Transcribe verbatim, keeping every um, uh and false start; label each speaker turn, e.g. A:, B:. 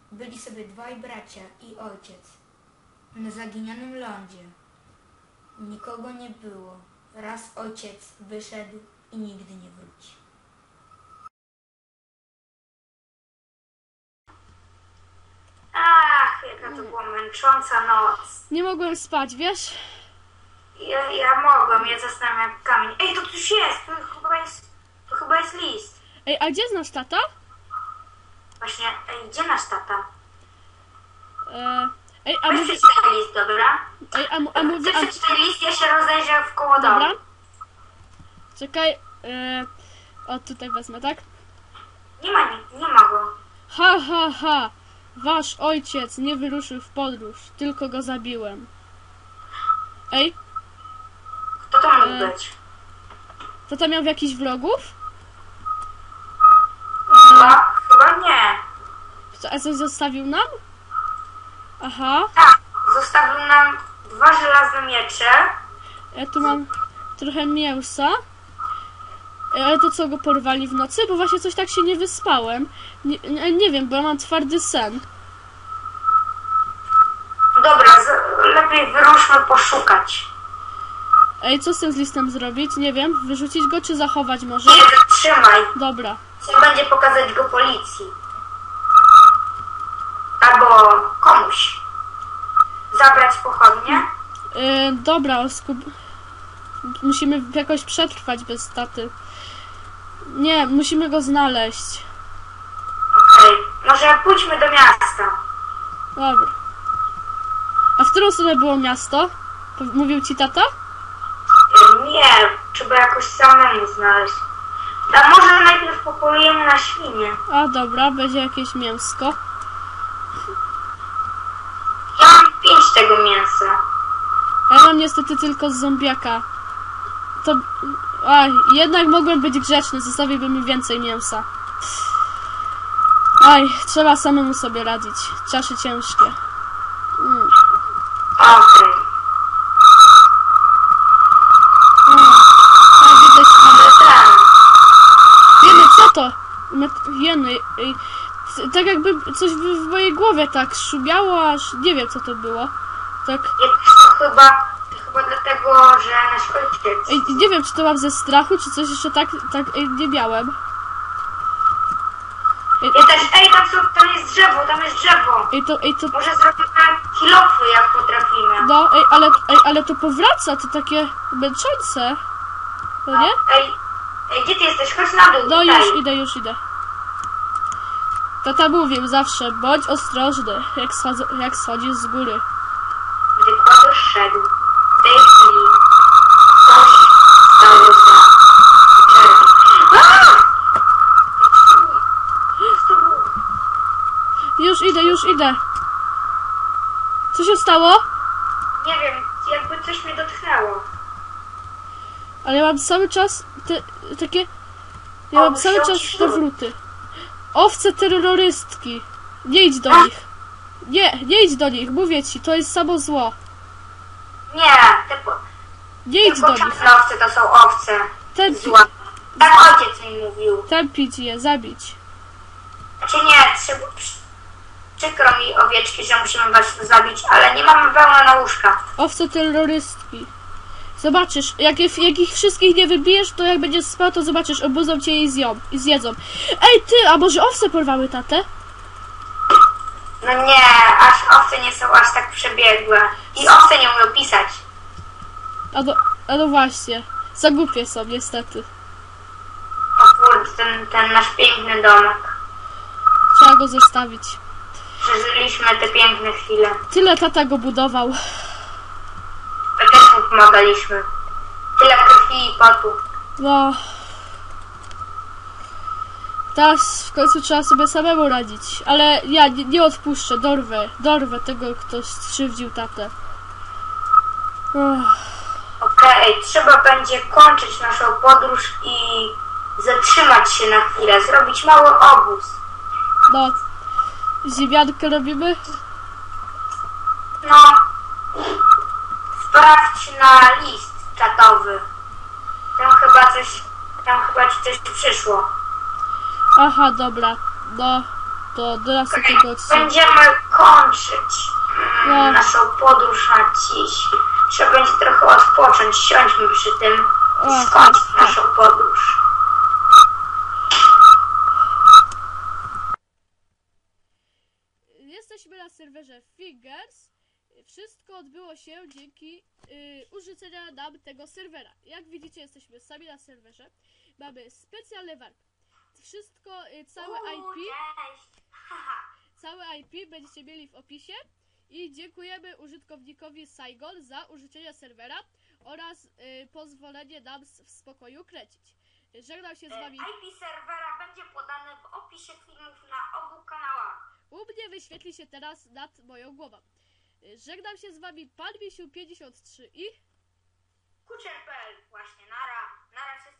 A: Byli sobie dwaj bracia i ojciec na zaginionym lądzie. Nikogo nie było. Raz ojciec wyszedł i nigdy nie wróci.
B: Ach, jaka to była męcząca noc.
C: Nie mogłem spać, wiesz?
B: Ja, ja mogłem, ja zasnąłem jak kamień. Ej, to coś jest, to chyba jest, to chyba jest list.
C: Ej, a gdzie znasz tata?
B: Właśnie, ej, gdzie nasz tata?
C: E, ej, a
B: Weź
C: mówi...
B: przeczytaj list, dobra?
C: Ej, a, mu- a mówi...
B: Ty
C: A,
B: przeczytaj list, ja się rozejrzę w koło domu.
C: dobra. Czekaj. E, o, tutaj wezmę, tak?
B: Nie ma, nie, nie ma go.
C: Ha, ha, ha. Wasz ojciec nie wyruszył w podróż, tylko go zabiłem. Ej,
B: Kto to mógł
C: E.
B: być?
C: tata miał jakichś wrogów?
B: Chyba, chyba nie.
C: Co, a coś zostawił nam? Aha.
B: Tak, zostawił nam dwa żelazne miecze.
C: Ja tu mam trochę mięsa. E, Ale to co, go porwali w nocy? Bo właśnie coś tak się nie wyspałem. Nie, nie, nie wiem, bo ja mam twardy sen.
B: Dobra, z, lepiej wyruszmy poszukać.
C: Ej, co z tym z listem zrobić? Nie wiem. Wyrzucić go czy zachować może?
B: Nie, zatrzymaj.
C: Dobra.
B: Trzeba będzie pokazać go policji. Albo komuś. Zabrać pochodnie.
C: E, dobra, oskub... Musimy jakoś przetrwać bez taty. Nie, musimy go znaleźć.
B: Okej, okay. Może pójdźmy do miasta.
C: Dobra. A w którą stronę było miasto? Mówił ci tata?
B: Nie, trzeba jakoś samemu znaleźć. A może najpierw popolujemy na świnie.
C: A dobra, będzie jakieś mięsko.
B: Ja mam pięć tego mięsa.
C: A ja mam niestety tylko z zombiaka. To... Aj, jednak mogłem być grzeczny, zostawiłbym mi więcej mięsa. Aj, trzeba samemu sobie radzić. Czasy ciężkie. Mm.
B: Okej. Okay.
C: A, widzę
B: Ale ten.
C: Jeny, co to? Met- Jeny, ej, c- tak jakby coś w, w mojej głowie tak szumiało, aż nie wiem co to było. Tak,
B: Jest to chyba, chyba dlatego, że nasz ojciec.
C: ej, nie wiem czy to mam ze strachu, czy coś jeszcze tak, tak ej, nie miałem. Ej,
B: Ja też, ej, tam, są, tam jest drzewo, tam jest drzewo.
C: ej, to, ej, to,
B: Może zrobimy kilofy, jak potrafimy.
C: no, ej, ale, ej, ale to powraca, to takie męczące. No nie?
B: Ej, ej, gdzie ty jesteś? Chodź na dół,
C: No
B: tutaj.
C: już idę, już idę. Tata mówił zawsze, bądź ostrożny, jak, schodzę, jak schodzisz z góry.
B: Gdy kładosz szedł, w tej chwili coś stało za drzewem. Aaa! Co to było?
C: Już idę, już idę. Co się stało?
B: Nie wiem, jakby coś mnie dotknęło.
C: Ale ja mam cały czas te, takie... Ja mam
B: O,
C: cały
B: się
C: czas
B: ociszyły.
C: te wróty. Owce terrorystki. Nie idź do
B: A?
C: nich. Nie, nie idź do nich, mówię ci, to jest samo zło.
B: Nie, te, po,
C: Nie
B: te
C: idź do nich.
B: poczępne owce to są owce
C: Tępi,
B: zła. Tak ojciec mi mówił.
C: tępić je, zabić.
B: Znaczy nie, trzeba, przy- przykro mi owieczki, że musimy was zabić, ale nie mamy wełna na łóżka.
C: Owce terrorystki. Zobaczysz, jak, je- jak ich wszystkich nie wybijesz, to jak będziesz spał, to zobaczysz, obudzą cię i zją, i zjedzą. Ej ty, a może owce porwały tatę?
B: No nie, aż owce nie są aż tak przebiegłe. I owce nie umią pisać.
C: A no, a no właśnie, za głupie są niestety.
B: O kurde, ten, ten nasz piękny domek.
C: Trzeba go zostawić.
B: Przeżyliśmy te piękne chwile.
C: Tyle tata go budował.
B: My też mu pomagaliśmy. Tyle krwi i potu.
C: No. Teraz w końcu trzeba sobie samemu radzić. Ale ja nie, nie odpuszczę, dorwę. Dorwę tego, kto skrzywdził tatę. Uff.
B: Okej, trzeba będzie kończyć naszą podróż i zatrzymać się na chwilę. Zrobić mały obóz.
C: No. Ziemiankę robimy?
B: No. Sprawdź na list czatowy. Tam chyba coś, tam chyba ci coś przyszło.
C: Aha, dobra. No. to do nas takiego odcinka.
B: Będziemy kończyć mm,
C: No.
B: naszą podróż na dziś. Trzeba będzie trochę odpocząć, siądźmy przy tym
C: O,
B: i skończyć
C: tak,
B: naszą podróż.
C: Jesteśmy na serwerze Fingers. Wszystko odbyło się dzięki y, użycenia nam tego serwera. Jak widzicie, jesteśmy sami na serwerze. Mamy specjalne warpy. Wszystko, y, całe I P,
B: Cześć!
C: całe I P będziecie mieli w opisie. I dziękujemy użytkownikowi Saigon za użyczenie serwera oraz y, pozwolenie nam s- w spokoju kręcić. Żegnam się z wami.
B: I P serwera będzie podane w opisie filmów na obu kanałach.
C: U mnie wyświetli się teraz nad moją głową. Y, Żegnam się z wami, pan Misiu pięćdziesiąt trzy i...
B: Kucher kropka p l. Właśnie, nara, nara się